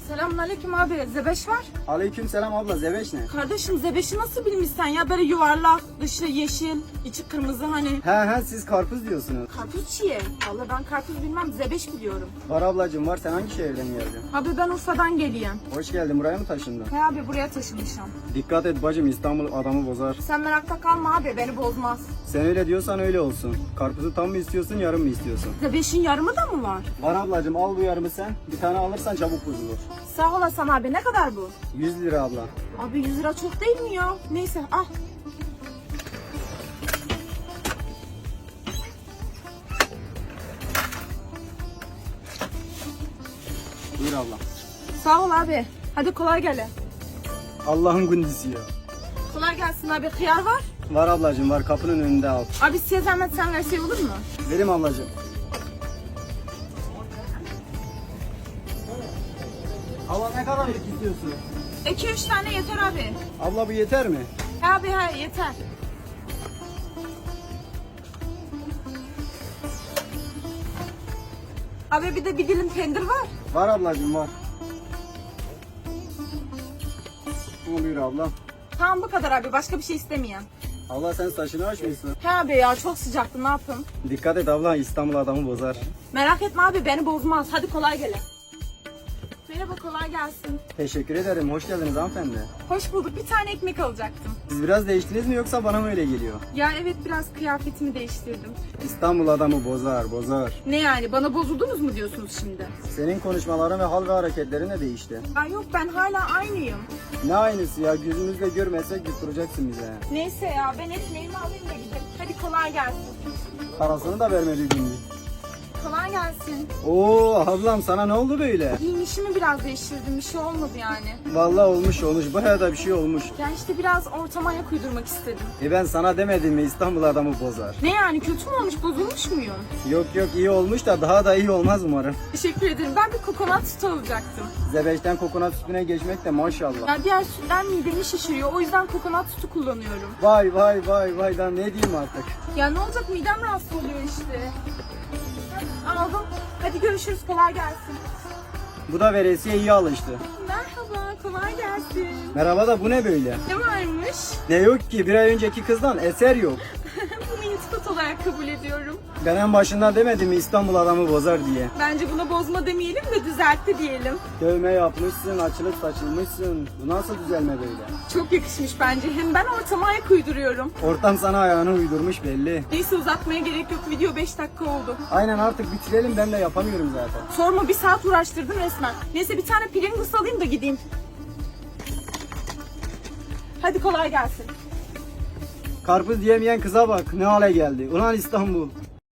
Selamünaleyküm abi. Zebeş var. Aleykümselam abla, zebeş ne? Kardeşim zebeşi nasıl bilmişsen ya, böyle yuvarlak, dışı yeşil, içi kırmızı hani. He siz karpuz diyorsunuz. Karpuz çiğe. Vallahi ben karpuz bilmem, zebeş biliyorum. Var ablacığım var, sen hangi şehirden geldin? Abi ben Urfa'dan geleyim. Hoş geldin, buraya mı taşındın? He abi, buraya taşınmışım. Dikkat et bacım, İstanbul adamı bozar. Sen merakta kalma abi, beni bozmaz. Sen öyle diyorsan öyle olsun. Karpuzu tam mı istiyorsun, yarım mı istiyorsun? Zebeşin yarımı da mı var? Var ablacığım, al bu yarımı sen. Bir tane alırsan çabuk bozulur. Sağ olasın abi, ne kadar bu? 100 lira abla. Abi 100 lira çok değil mi ya? Neyse al. Buyur abla. Sağ ol abi. Hadi kolay gele. Allah'ın gündüzü ya. Kolay gelsin abi, hıyar var. Var ablacığım var, kapının önünde al. Abi size zahmet sen versey olur mu? Verim ablacığım. Abla ne kadarlık istiyorsun? 2-3 tane yeter abi. Abla bu yeter mi? He abi he, yeter. Abi bir de bir dilim pendir var. Var ablacığım var. Buyur abla. Tamam bu kadar abi, başka bir şey istemeyen. Abla sen saçını açmışsın. He abi ya, çok sıcaktı, ne yapayım? Dikkat et abla, İstanbul adamı bozar. Merak etme abi, beni bozmaz. Hadi kolay gele. Merhaba, kolay gelsin. Teşekkür ederim. Hoş geldiniz hanımefendi. Hoş bulduk, bir tane ekmek alacaktım. Siz biraz değiştiniz mi yoksa bana mı öyle geliyor? Ya evet, biraz kıyafetimi değiştirdim. İstanbul adamı bozar. Ne yani, bana bozuldunuz mu diyorsunuz şimdi? Senin konuşmaların ve hal ve hareketlerin de değişti. Ya yok, ben hala aynıyım. Ne aynısı ya, gözümüzle görmesek yutturacaksın bize. Neyse ya, ben ekmeğimi alayım da gideyim. Hadi kolay gelsin. Parasını da vermeliydin mi? Kolay gelsin. Oo ablam, sana ne oldu böyle? Giyinişimi biraz değiştirdim, bir şey olmadı yani. Vallahi olmuş. Bayağı da bir şey olmuş. Ya işte biraz ortama ayak uydurmak istedim. Ben sana demedim mi, İstanbul adamı bozar. Ne yani, kötü mü olmuş, bozulmuş muyum? Yok iyi olmuş da daha da iyi olmaz umarım. Teşekkür ederim. Ben bir kokonat sütü alacaktım. Zebeşten kokonat sütüne geçmek de maşallah. Ya diğer sütler midemi şişiriyor. O yüzden kokonat sütü kullanıyorum. Vay daha ne diyeyim artık. Ya ne olacak, midem rahatsız oluyor işte. Aldım. Hadi görüşürüz. Kolay gelsin. Bu da veresiye iyi alıştı. Merhaba. Kolay gelsin. Merhaba da bu ne böyle? Ne varmış? Ne yok ki, bir ay önceki kızdan eser yok. Bunu iltifat olarak kabul ediyorum. Ben en başından demedim mi İstanbul adamı bozar diye. Bence buna bozma demeyelim de düzeltti diyelim. Dövme yapmışsın, açılıp saçılmışsın. Bu nasıl düzelme böyle? Çok yakışmış bence. Hem ben ortama ayak uyduruyorum. Ortam sana ayağını uydurmuş belli. Neyse, uzatmaya gerek yok. Video 5 dakika oldu. Aynen, artık bitirelim, ben de yapamıyorum zaten. Sorma, bir saat uğraştırdın resmen. Neyse, bir tane Pringles alayım da gideyim. Hadi kolay gelsin. Karpuz diyemeyen kıza bak, ne hale geldi. Ulan İstanbul.